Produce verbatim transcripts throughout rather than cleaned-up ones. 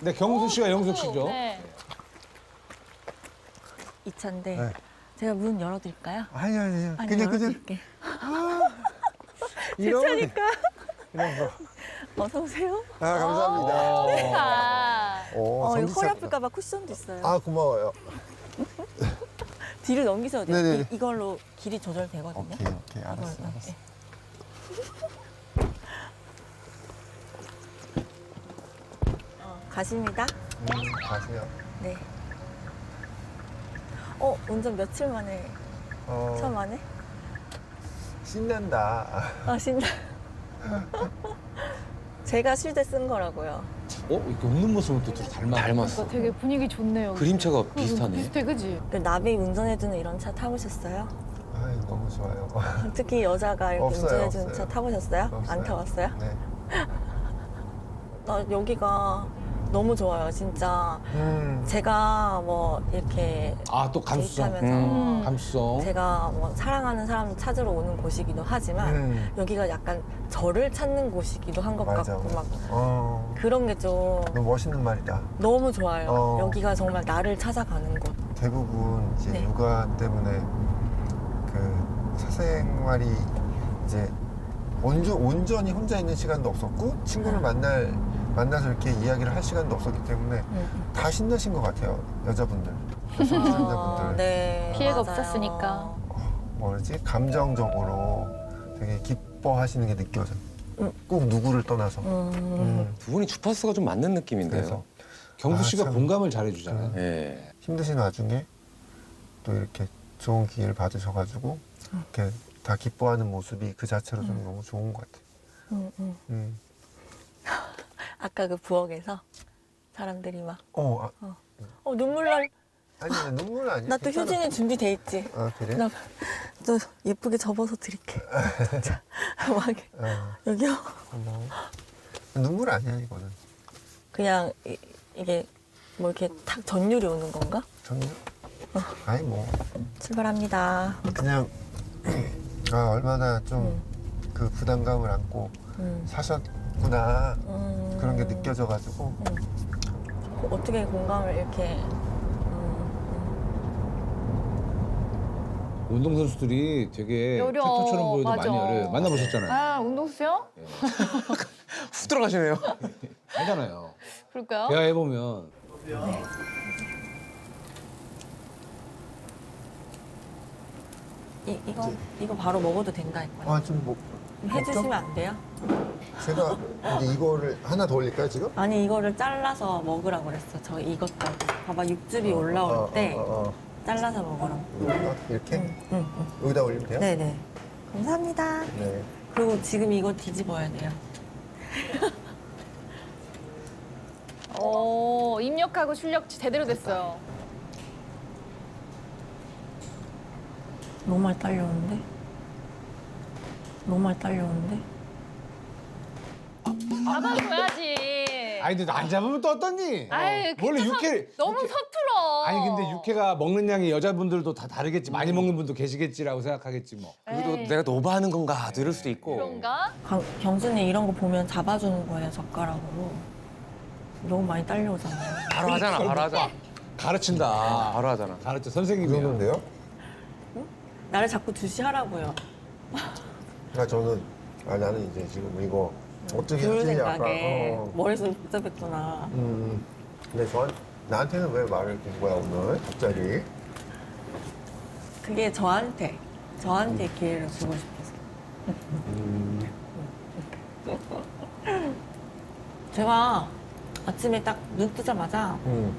네, 경수 씨가 영숙 씨죠. 네. 이 차인데 네. 제가 문 열어드릴까요? 아니 아니 아니, 그냥 그냥 열어드릴게. 제 이런 차니까. 이런 거. 어서 오세요. 아 감사합니다. 아, 오, 어, 이거 전기차 허리 크다. 아플까봐 쿠션도 있어요. 아 고마워요. 뒤를 넘기셔도 돼요. 네네. 이, 이걸로 길이 조절되거든요. 오케이 오케이 알았어 이걸로. 알았어. 네. 어, 가십니다. 음 가세요. 네. 어, 운전 며칠 만에, 어 처음 하네? 신난다. 아, 신나. 제가 쉴 때 쓴 거라고요. 어? 이렇게 웃는 모습은 또 닮아. 그러니까 되게 분위기 좋네요. 그림체가 응, 비슷하네. 비슷해, 그지? 그 나비 운전해주는 이런 차 타보셨어요? 아이 너무 좋아요. 특히 여자가 이렇게 없어요, 운전해주는 없어요. 차 타보셨어요? 없어요. 안 타봤어요? 네. 나 여기가 너무 좋아요, 진짜. 음. 제가 뭐 이렇게 아, 또 감수성. 데이트하면서 음. 감수성. 제가 뭐 사랑하는 사람 찾으러 오는 곳이기도 하지만 음. 여기가 약간 저를 찾는 곳이기도 한 것 맞아. 같고 막 어. 그런 게 좀 너무 멋있는 말이다. 너무 좋아요. 어. 여기가 정말 나를 찾아가는 곳. 대부분 이제 네. 육아 때문에 그 사생활이 이제 온전, 온전히 혼자 있는 시간도 없었고 친구를 음. 만날 만나서 이렇게 이야기를 할 시간도 없었기 때문에 음. 다 신나신 것 같아요 여자분들, 여성분들. 네, 피해가 맞아요. 없었으니까. 뭐지 감정적으로 되게 기뻐하시는 게 느껴져. 음. 꼭 누구를 떠나서. 음. 음. 두 분이 주파수가 좀 맞는 느낌인데요. 그래서 경수 아, 씨가 참. 공감을 잘해주잖아요. 예. 힘드신 와중에 또 이렇게 좋은 기회를 받으셔가지고 이렇게 다 기뻐하는 모습이 그 자체로 좀 너무 좋은 것 같아요. 음, 음. 음. 아까 그 부엌에서 사람들이 막 어, 아, 어, 눈물 날. 아니 눈물 아니야. 나 또 괜찮아. 효진이 준비돼 있지. 아 그래? 나 또 예쁘게 접어서 드릴게. 자, 막 어, 여기요. 고마워. 눈물 아니야 이거는. 그냥 이, 이게 뭐 이렇게 탁 전율이 오는 건가? 전혀. 아니 뭐 출발합니다. 그냥 아 얼마나 좀 그 부담감을 안고 음. 사셨구나 음. 그런 게 느껴져가지고 어떻게 공감을 이렇게 운동선수들이 되게 여려, 팩터처럼 보여도 맞아. 많이 열어요. 만나보셨잖아요. 아, 운동수요? 훅 들어가시네요. 하잖아요. 그럴까요? 대화해보면. 이, 이거 이거 바로 먹어도 된다니까요. 아좀뭐 해주시면 안 돼요? 제가 이제 이거를 하나 더 올릴까요 지금? 아니 이거를 잘라서 먹으라고 그랬어. 저 이것도 봐봐 육즙이 올라올 어, 어, 때 어, 어, 어. 잘라서 먹으라고. 이거 이렇게 응, 응, 응. 여기다 올리면 돼요? 네네. 감사합니다. 네. 그리고 지금 이거 뒤집어야 돼요. 오, 입력하고 출력 제대로 됐어요. 너무 많이 딸려오는데? 너무 많이 딸려오는데? 잡아줘야지. 아니, 근데 안 잡으면 또 어떠니? 아유, 원래 그쵸, 육회. 너무 육회- 서툴어. 아니, 근데 육회가 먹는 양이 여자분들도 다 다르겠지. 많이 먹는 분도 계시겠지라고 생각하겠지, 뭐. 그래도 에이, 내가 너무 하는 건가 이럴 수도 있고. 그런가? 강, 경순이 이런 거 보면 잡아주는 거예요, 젓가락으로. 너무 많이 딸려오잖아요. 바로 하잖아, 바로 하자. 가르친다. 바로 하잖아. 가르쳐, 이 선생님이야. 정도인데요? 나를 자꾸 주시하라고요. 아 저는 아 나는 이제 지금 이거 어떻게 좋은 하지 약간 생각에 어. 머릿속이 복잡했구나. 음. 근데 저한 나한테는 왜 말을 건 거야 오늘 갑자기? 그게 저한테, 저한테 기회를 주고 싶어서. 음. 제가 아침에 딱 눈 뜨자마자 음.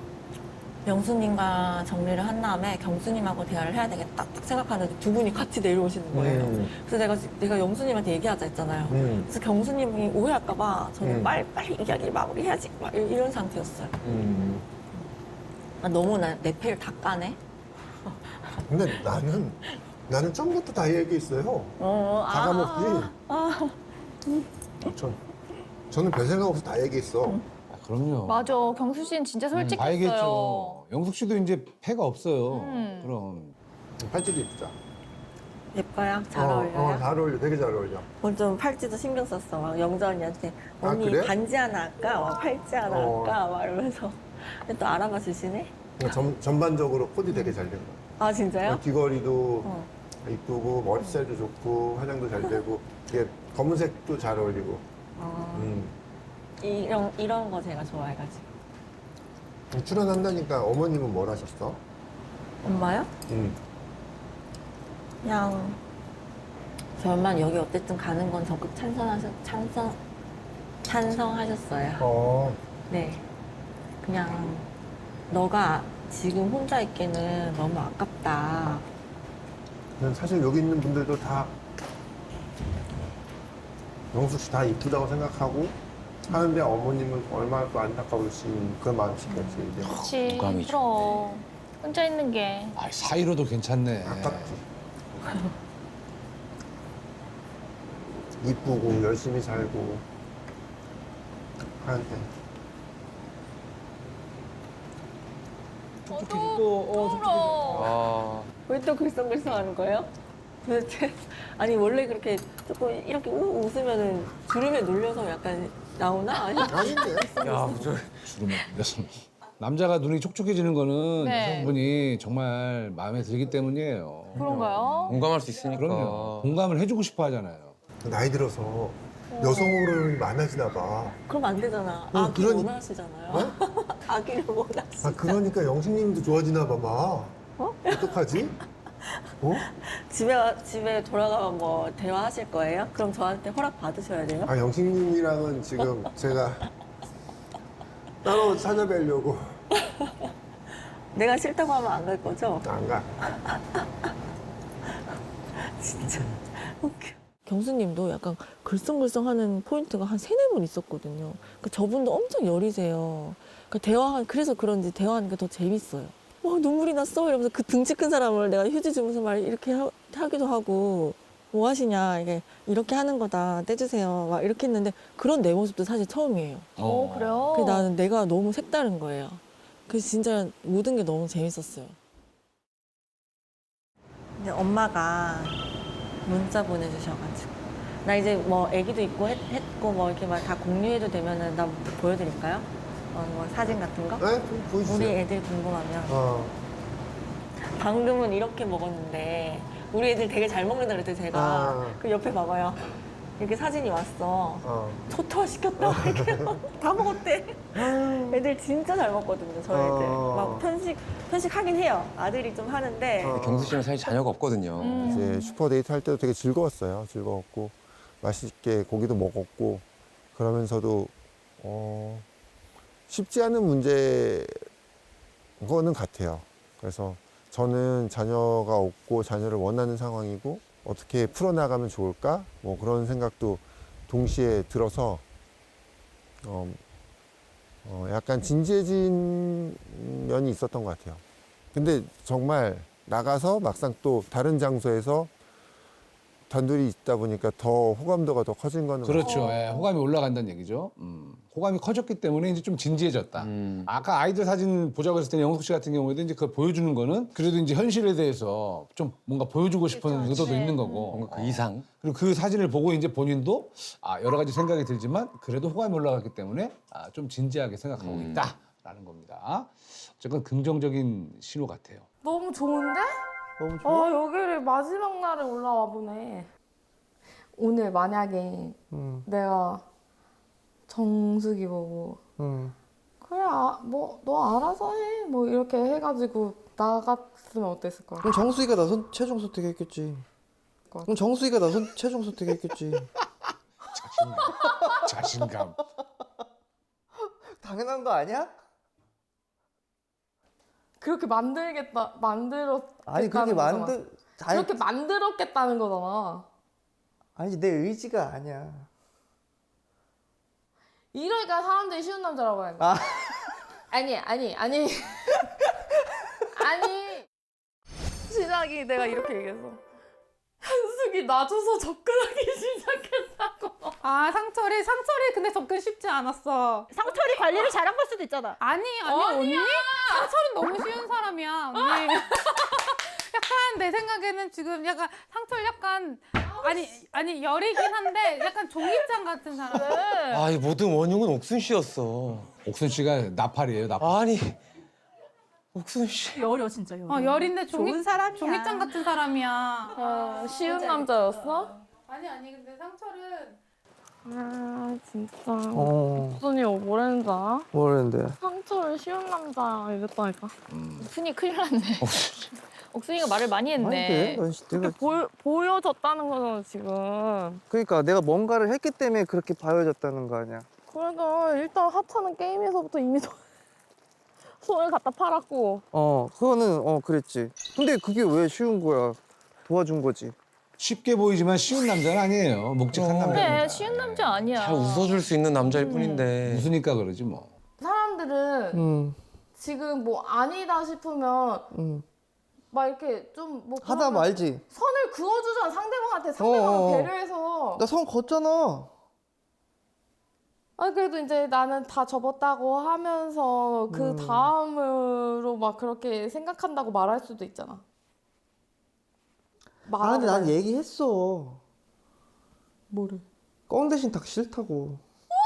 영수님과 정리를 한 다음에 경수님하고 대화를 해야 되겠다 딱 생각하는데 두 분이 같이 내려오시는 거예요. 음. 그래서 내가, 내가 영수님한테 얘기하자 했잖아요. 음. 그래서 경수님이 오해할까봐 저는 음. 빨리 빨리 이야기를 마무리해야지 막 이- 이런 상태였어요. 음. 아, 너무 나, 내 패를 다 까네. 근데 나는 나는 처음부터 다 얘기했어요. 어, 다 까먹지. 아, 전 저는 별 생각 없이 다 얘기했어. 아, 그럼요. 맞아, 경수 씨는 진짜 다 솔직했어요. 얘기했죠. 영숙 씨도 이제 패가 없어요. 음. 그럼. 팔찌도 입자. 예뻐요? 잘 어, 어울려요? 어, 잘 어울려. 되게 잘 어울려. 오늘 좀 팔찌도 신경 썼어. 막 영자 언니한테 아, 언니 그래? 반지 하나 할까? 막 팔찌 하나 어. 할까? 막 이러면서 근데 또 알아봐 주시네? 그러니까 전, 전반적으로 코디 되게 잘 된 거야. 아 진짜요? 귀걸이도 어. 이쁘고 머리 스타일도 좋고 화장도 잘 되고 이게 검은색도 잘 어울리고. 아, 음. 이런 이런 거 제가 좋아해가지고. 출연한다니까 어머님은 뭘 하셨어? 엄마요? 음. 그냥 저희 엄마는 여기 어쨌든 가는 건 적극 찬성하셨 찬성 찬성하셨어요. 어. 네. 그냥 너가 지금 혼자 있기는 너무 아깝다. 그냥 사실 여기 있는 분들도 다 영숙 씨 다 이쁘다고 생각하고 하는데 어머님은 얼마나 또 안타까우신 그런 마음이시겠지 이제. 그렇지. 무감이죠. 그럼 혼자 있는 게. 아, 사이로도 괜찮네. 아깝지. 이쁘고 열심히 살고 하는데 촉촉해지 또 어, 촉촉해져. 아, 왜 또 글썽글썽하는 거예요? 도대체 아니 원래 그렇게 조금 이렇게 우, 웃으면은 주름에 눌려서 약간 나오나? 아니 아닌데. 야, 저 주름을 눌려서. 남자가 눈이 촉촉해지는 거는 네. 여성분이 정말 마음에 들기 때문이에요. 그런가요? 공감할 수 있으니까. 그럼요. 공감을 해주고 싶어 하잖아요. 나이 들어서 여성으로는 많아지나 봐. 그럼 안 되잖아. 어, 아기를 그러니- 원하시잖아요. 아기를 원하시. 아 그러니까 영식님도 좋아지나 봐 막. 어? 어떡하지? 어? 집에 가- 집에 돌아가면 뭐 대화하실 거예요? 그럼 저한테 허락 받으셔야 돼요? 아 영식님이랑은 지금 제가 따로 찾아뵈려고 내가 싫다고 하면 안 갈 거죠? 안 가. 진짜 웃겨. 경수님도 약간 글썽글썽하는 포인트가 한 세네 번 있었거든요. 그러니까 저분도 엄청 여리세요. 그러니까 대화 그래서 그런지 대화하는 게 더 재밌어요. 와 눈물이 났어 이러면서 그 등치 큰 사람을 내가 휴지 주면서 말 이렇게 하, 하기도 하고 뭐 하시냐 이게 이렇게 하는 거다 떼주세요 막 이렇게 했는데 그런 내 모습도 사실 처음이에요. 어, 그래요? 그래서 나는 내가 너무 색다른 거예요. 그래서 진짜 모든 게 너무 재밌었어요. 근데 엄마가 문자 보내주셔가지고 나 이제 뭐 애기도 있고 했, 했고 뭐 이렇게 막 다 공유해도 되면은 나 보여드릴까요? 어, 뭐 사진 같은 거? 네? 좀 보여주세요. 우리 애들 궁금하면 어. 방금은 이렇게 먹었는데 우리 애들 되게 잘 먹는다 그랬더니 제가 아. 그 옆에 봐봐요. 이렇게 사진이 왔어. 어. 초토화 시켰다. 이렇게 다 먹었대. 애들 진짜 잘 먹거든요, 저희 애들. 어. 막 편식, 편식하긴 해요. 아들이 좀 하는데. 어. 경수 씨는 사실 자녀가 없거든요. 음. 이제 슈퍼데이트 할 때도 되게 즐거웠어요. 즐거웠고 맛있게 고기도 먹었고 그러면서도 어, 쉽지 않은 문제 거는 같아요. 그래서 저는 자녀가 없고 자녀를 원하는 상황이고 어떻게 풀어나가면 좋을까? 뭐 그런 생각도 동시에 들어서 어, 어, 약간 진지해진 면이 있었던 것 같아요. 근데 정말 나가서 막상 또 다른 장소에서 단둘이 있다 보니까 더 호감도가 더 커진 거는 그렇죠. 예, 호감이 올라간다는 얘기죠. 음, 호감이 커졌기 때문에 이제 좀 진지해졌다. 음. 아까 아이들 사진 보자고 했을 때 영숙 씨 같은 경우에도 이제 그걸 보여주는 거는 그래도 이제 현실에 대해서 좀 뭔가 보여주고 싶은 의도도 네. 있는 거고. 뭔가 그 이상. 그리고 그 사진을 보고 이제 본인도 아, 여러 가지 생각이 들지만 그래도 호감이 올라갔기 때문에 아, 좀 진지하게 생각하고 음. 있다라는 겁니다. 어쨌건 긍정적인 신호 같아요. 너무 좋은데? 너무 어, 여기를 마지막 날에 올라와 보네. 오늘 만약에 음, 내가 정수기 보고 음. 그래, 아, 뭐, 너 알아서 해. 뭐 이렇게 해가지고 나갔으면 어땠을 거야? 그럼 정수이가 나선 최종 선택했겠지. 그럼 정수이가 나선 최종 선택했겠지. 자신감. 자신감. 당연한 거 아니야? 그렇게 만들겠다, 만들었겠다는 아니 그렇게 거잖아. 만들. 아니, 그렇게 만들었겠다는 거잖아. 아니 내 의지가 아니야. 이러니까 사람들이 쉬운 남자라고 하는 아. 거야. 아니, 아니, 아니. 아니. 시작이 내가 이렇게 얘기했어. 현숙이 놔줘서 접근하기 시작했다고. 아 상철이 상철이 근데 접근 쉽지 않았어. 상철이 관리를 잘한 걸 수도 있잖아. 아니 아니 언니 상철은 너무 쉬운 사람이야 언니. 약간 내 생각에는 지금 약간 상철 약간 아니 아니 열이긴 한데 약간 종이장 같은 사람. 아, 이 모든 원흉은 옥순 씨였어. 옥순 씨가 나팔이에요, 나팔. 아니, 옥순 씨. 열여 진짜 열여. 어 열인데 종이 좋은 사람이야. 종이장 같은 사람이야. 아, 쉬운 남자였어? 아니 아니 근데 상철은 아 진짜 어. 옥순이 뭐랬는지 알아? 뭐랬는데? 상처를 쉬운 남자 이랬다니까. 옥순이 큰일 났네. 옥순이가 말을 많이 아닌데? 했네. 난 씨, 내가 보, 보여졌다는 거잖아 지금. 그러니까 내가 뭔가를 했기 때문에 그렇게 봐여졌다는 거 아니야. 그래도 일단 하차는 게임에서부터 이미 손, 손을 갖다 팔았고. 어, 그거는 어 그랬지. 근데 그게 왜 쉬운 거야? 도와준 거지. 쉽게 보이지만 쉬운 남자는 아니에요. 묵직한 어. 남자입니다. 그래, 쉬운 남자 아니야. 잘 웃어줄 수 있는 남자일 뿐인데. 웃으니까 그러지 뭐. 사람들은 음, 지금 뭐 아니다 싶으면 음. 막 이렇게 좀뭐 하다 말지. 선을 그어주잖아 상대방한테 상대방 어어. 배려해서. 나 선 걷잖아. 아 그래도 이제 나는 다 접었다고 하면서 그 음. 다음으로 막 그렇게 생각한다고 말할 수도 있잖아. 아, 근데 난 말하는 얘기했어. 뭐를? 꽝 대신 닭 싫다고.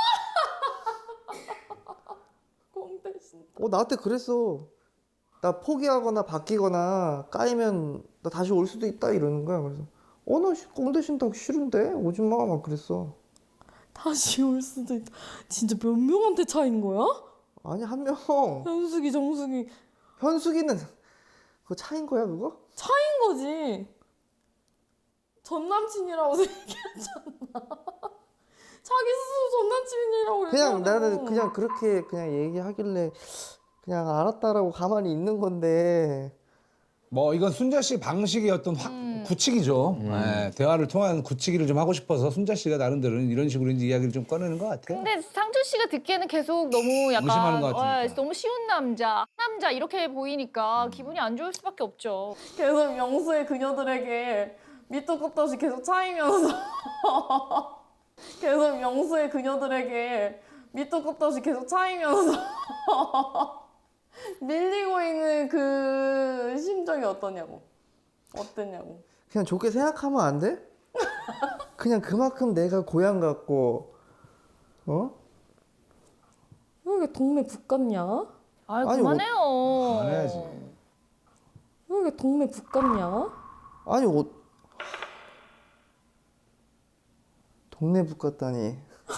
꽁 대신. 어, 나한테 그랬어. 나 포기하거나 바뀌거나 까이면 나 다시 올 수도 있다 이러는 거야. 그래서 어, 나꽝 대신 닭 싫은데 오지 마. 막 그랬어. 다시 올 수도 있다. 진짜 몇 명한테 차인 거야? 아니, 한 명. 현숙이 정숙이 현숙이는 그거 차인 거야, 그거? 차인 거지. 전 남친이라고 생각했잖아. 자기 스스로 전 남친이라고 그냥 얘기하고. 나는 그냥 그렇게 그냥 얘기하길래 그냥 알았다라고 가만히 있는 건데. 뭐 이건 순자 씨 방식의 어떤 확, 음. 굳히기죠. 예, 대화를 통한 굳히기를 좀 하고 싶어서 순자 씨가 나름대로는 이런 식으로 이제 이야기를 좀 꺼내는 것 같아요. 근데 상철 씨가 듣기에는 계속 너무 약간 의심하는 것 같으니까. 어, 너무 쉬운 남자, 남자 이렇게 보이니까 기분이 안 좋을 수밖에 없죠. 계속 명수의 그녀들에게 밑도 끝도 없이 계속 차이면서 계속 명수의 그녀들에게 밑도 끝도 없이 계속 차이면서 밀리고 있는 그 심정이 어떠냐고. 어땠냐고. 그냥 좋게 생각하면 안 돼? 그냥 그만큼 내가 고향 같고, 어? 왜 이렇게 동네 북 같냐? 아이 아니, 그만해요. 그만해야지. 왜 이렇게 동네 북 같냐? 아니, 옷. 동네 북 같다니.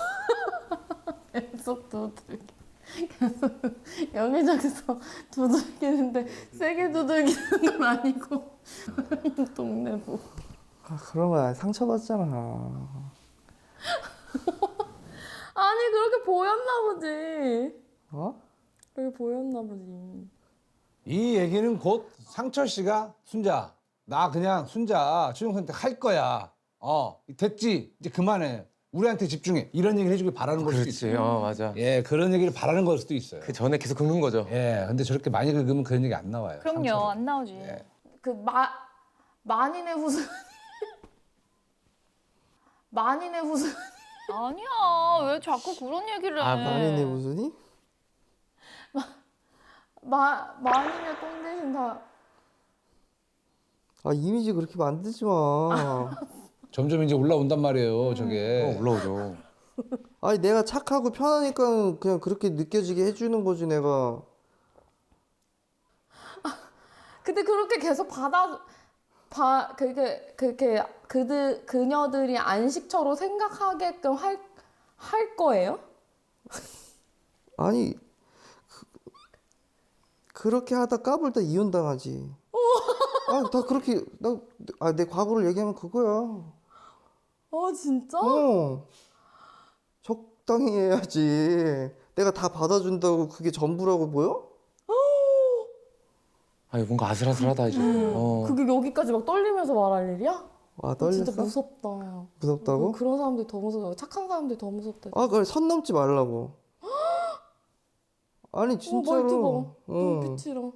계속 두들기. 계속 여기저기서 두들기는데 세게 두들기는 건 아니고 동네 북. 아, 그러면 상처받잖아. 아니 그렇게 보였나 보지. 어? 그렇게 보였나 보지. 이 얘기는 곧 상철 씨가 순자 나 그냥 순자 최종 선택 할 거야. 어 됐지 이제 그만해. 우리한테 집중해. 이런 얘기를 해주길 바라는 걸 수도 그렇지. 있어요. 어, 맞아. 예, 그런 얘기를 바라는 걸 수도 있어요. 그 전에 계속 긁는 거죠. 예, 근데 저렇게 많이 긁으면 그런 얘기 안 나와요. 그럼요, 상처를. 안 나오지. 예. 그 마 만인의 후순 만인의 후순 아니야, 왜 자꾸 그런 얘기를 해? 아, 아니네, 무슨이? 마 만인의 똥 대신 다. 아, 이미지 그렇게 만들지 마. 점점 이제 올라온단 말이에요, 저게. 어, 올라오죠. 아니, 내가 착하고 편하니까 그냥 그렇게 느껴지게 해주는 거지, 내가. 근데 그렇게 계속 받아 봐 그게 그렇게 그들 그녀들이 안식처로 생각하게끔 할 할 거예요? 아니, 그, 그렇게 하다 까불다 이혼당하지. 아, 다 그렇게, 나, 아, 내 과거를 얘기하면 그거야. 아 진짜? 어. 적당히 해야지. 내가 다 받아준다고 그게 전부라고 보여? 아, 이거 뭔가 아슬아슬하다 이제. 어. 그게 여기까지 막 떨리면서 말할 일이야? 아, 어, 떨렸어? 진짜 무섭다. 무섭다고? 그런 사람들이 더 무서워. 착한 사람들이 더 무섭다. 아, 그래, 선 넘지 말라고. 아니, 어, 진짜로. 말투 봐. 응. 눈빛이랑.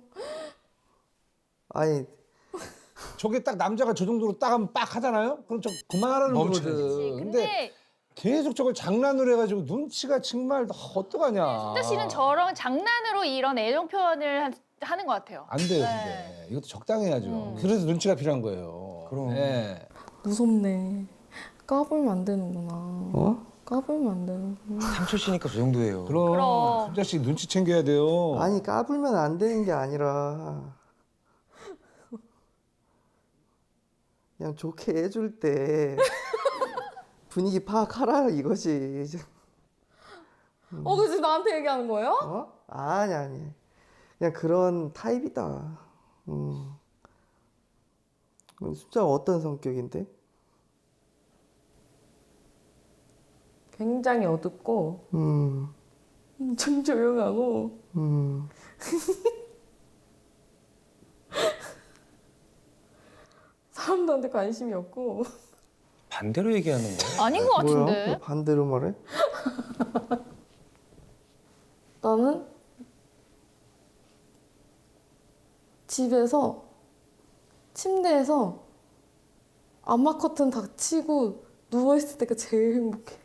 아니, 저게 딱 남자가 저 정도로 딱 하면 빡 하잖아요? 그럼 저 그만하라는 멈춰야지. 거거든. 근데 근데 계속 저걸 장난으로 해가지고 눈치가 정말 어떡하냐. 순자 씨는 저런 장난으로 이런 애정 표현을 하- 하는 것 같아요. 안 돼요, 네. 근데. 이것도 적당히 해야죠. 음. 그래서 눈치가 필요한 거예요. 그럼. 예. 무섭네. 까불면 안 되는구나. 어? 까불면 안 되는구나. 상철 씨니까 저 정도예요. 그럼, 그럼. 순자 씨 눈치 챙겨야 돼요. 아니 까불면 안 되는 게 아니라 그냥 좋게 해줄 때 분위기 파악하라 이거지. 어, 그지 나한테 얘기하는 거예요? 어? 아니 아니. 그냥 그런 타입이다. 음. 숫자가 어떤 성격인데? 굉장히 어둡고 음. 엄청 조용하고 음. 사람들한테 관심이 없고 반대로 얘기하는 거예요. 아닌 것 뭐야? 같은데. 왜 반대로 말해? 나는 집에서 침대에서 암막 커튼 닫히고 누워있을 때가 제일 행복해.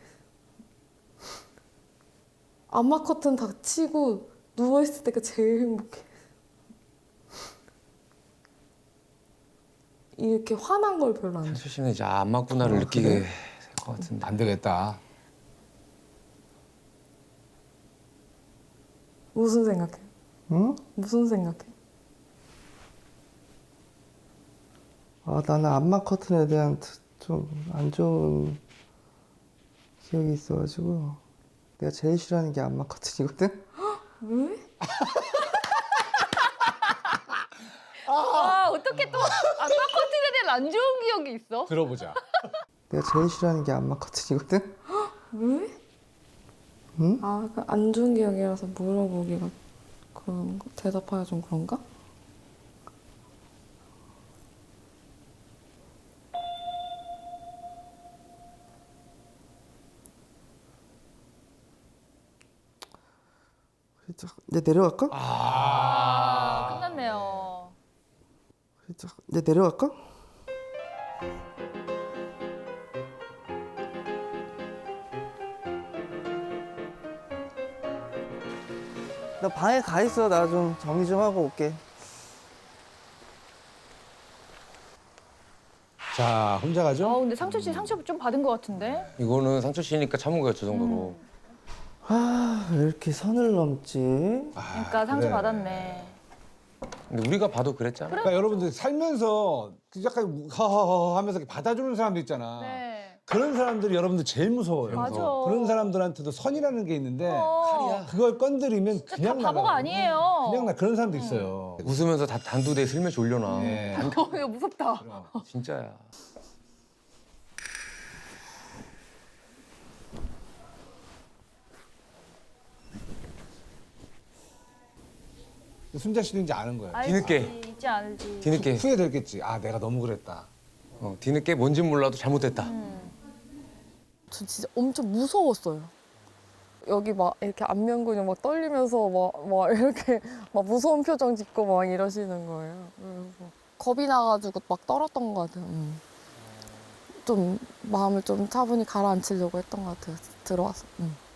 암막 커튼 닫히고 누워있을 때가 제일 행복해. 이렇게 화난 걸 별로 안 좋아해. 상철 씨는 이제 안 맞구나를 어, 느끼게 그래? 될 것 같은데. 안 되겠다. 무슨 생각해? 응? 무슨 생각해? 아 나는 암막 커튼에 대한 좀 안 좋은 기억이 있어가지고 내가 제일 싫어하는 게 암막 커튼이거든. 왜? 아, 어떻게 또 아까 커튼에 대한 안 좋은 기억이 있어? 들어보자. 내가 제일 싫어하는 게 암막 커튼이거든. 왜? 응? 아, 그 안 좋은 기억이라서 물어보기가 그런 거? 대답하기가 좀 그런가? 그래도 이제 내려갈까? 아, 끝났네요. 그래도 이제 내려갈까? 나 방에 가 있어. 나 좀 정리 좀 하고 올게. 자, 혼자 아, 가죠? 근데 상철 씨 상처 좀 받은 것 같은데? 이거는 상철 씨니까 참은 거예요, 저 정도로. 아, 왜 이렇게 선을 넘지? 그러니까 상처 그래. 받았네. 근데 우리가 봐도 그랬잖아. 그러니까 여러분들 살면서 그 약간 허허허 하면서 이렇게 받아주는 사람들 있잖아. 네. 그런 사람들이 여러분들 제일 무서워요. 맞아. 그런 사람들한테도 선이라는 게 있는데 어, 그걸 건드리면 진짜 그냥 다 바보가 나가요. 아니에요. 그냥 나 그런 사람도 있어요. 웃으면서 다 단두대에 슬며시 올려놔. 예. 어, 이거 무섭다. 그럼. 진짜야. 순자 씨도 이제 아는 거예요. 알지, 뒤늦게. 있지 않을지. 뒤늦게. 후회됐겠지. 아, 내가 너무 그랬다. 어, 뒤늦게 뭔진 몰라도 잘못됐다. 음. 저 진짜 엄청 무서웠어요. 여기 막 이렇게 안면근육 막 떨리면서 막, 막 이렇게 막 무서운 표정 짓고 막 이러시는 거예요. 그래서 겁이 나가지고 막 떨었던 것 같아요. 음. 좀 마음을 좀 차분히 가라앉히려고 했던 것 같아요. 들어와서. 음.